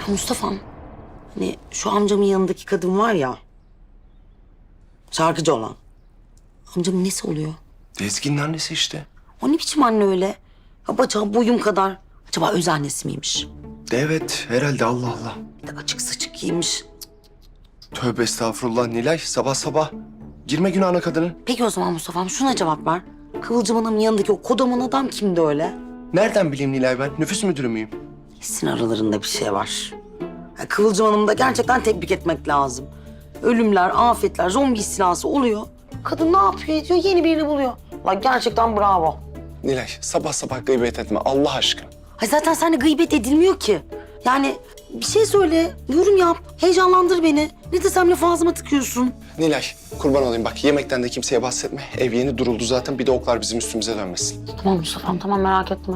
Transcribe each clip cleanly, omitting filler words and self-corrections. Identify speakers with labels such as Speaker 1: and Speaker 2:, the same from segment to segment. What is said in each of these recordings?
Speaker 1: Ya Mustafa'm, hani şu amcamın yanındaki kadın var ya, şarkıcı olan. Amcamın nesi oluyor?
Speaker 2: Ezgi'nin annesi işte.
Speaker 1: O ne biçim anne öyle? Ya bacağı boyum kadar. Acaba öz annesi miymiş?
Speaker 2: Evet herhalde Allah Allah.
Speaker 1: Bir de açık saçık giymiş.
Speaker 2: Tövbe estağfurullah Nilay sabah sabah. Girme günahına kadının.
Speaker 1: Peki o zaman Mustafa'm şuna cevap ver. Kıvılcım Hanım'ın yanındaki o kodaman adam kimdi öyle?
Speaker 2: Nereden bileyim Nilay ben? Nüfus müdürü müyüm?
Speaker 1: Kesin aralarında bir şey var. Ya Kıvılcım Hanım'ı da gerçekten tebrik etmek lazım. Ölümler, afetler, zombi istilası oluyor. Kadın ne yapıyor ediyor? Yeni birini buluyor. Lan gerçekten bravo.
Speaker 2: Nilay sabah sabah gıybet etme Allah aşkına.
Speaker 1: Ay zaten seninle gıybet edilmiyor ki. Yani bir şey söyle, yorum yap, heyecanlandır beni. Ne desem lafı ağzıma tıkıyorsun.
Speaker 2: Nilay kurban olayım bak yemekten de kimseye bahsetme. Ev yeni duruldu zaten bir de oklar bizim üstümüze dönmesin.
Speaker 1: Tamam Mustafa'm, tamam merak etme.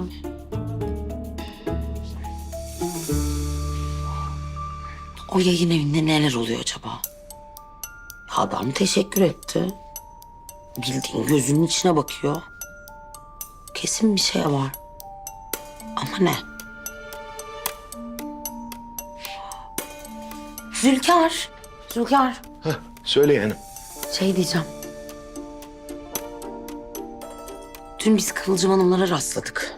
Speaker 1: O yayın evinde neler oluyor acaba? Adam teşekkür etti. Bildiğin gözünün içine bakıyor. Kesin bir şey var. Ama ne? Zülkar. Zülkar.
Speaker 2: Söyle yani.
Speaker 1: Şey diyeceğim. Dün biz Kıvılcım Hanımlara rastladık.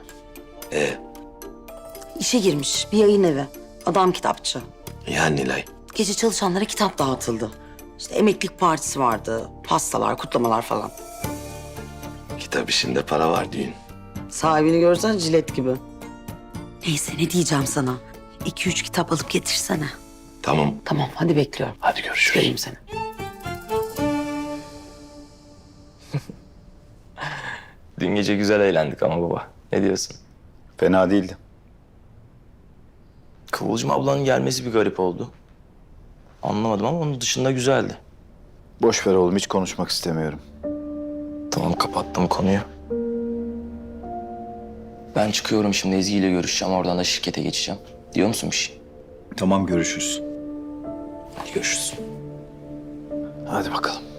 Speaker 1: İşe girmiş bir yayın evi. Adam kitapçı.
Speaker 2: Ya Nilay.
Speaker 1: Gece çalışanlara kitap dağıtıldı. İşte emeklilik partisi vardı. Pastalar, kutlamalar falan.
Speaker 2: Kitap işinde para var düğün.
Speaker 1: Sahibini görsen jilet gibi. Neyse ne diyeceğim sana. 2-3 kitap alıp getirsene.
Speaker 2: Tamam.
Speaker 1: Tamam hadi bekliyorum.
Speaker 2: Hadi görüşürüz.
Speaker 1: Göreyim seni.
Speaker 3: Dün gece güzel eğlendik ama baba. Ne diyorsun?
Speaker 4: Fena değildi.
Speaker 3: Kıvılcım ablanın gelmesi bir garip oldu. Anlamadım ama onun dışında güzeldi.
Speaker 4: Boş ver oğlum, hiç konuşmak istemiyorum.
Speaker 3: Tamam kapattım konuyu. Ben çıkıyorum şimdi Ezgi ile görüşeceğim. Oradan da şirkete geçeceğim. Diyor musun bir şey?
Speaker 4: Tamam, görüşürüz.
Speaker 3: Hadi görüşürüz.
Speaker 4: Hadi bakalım.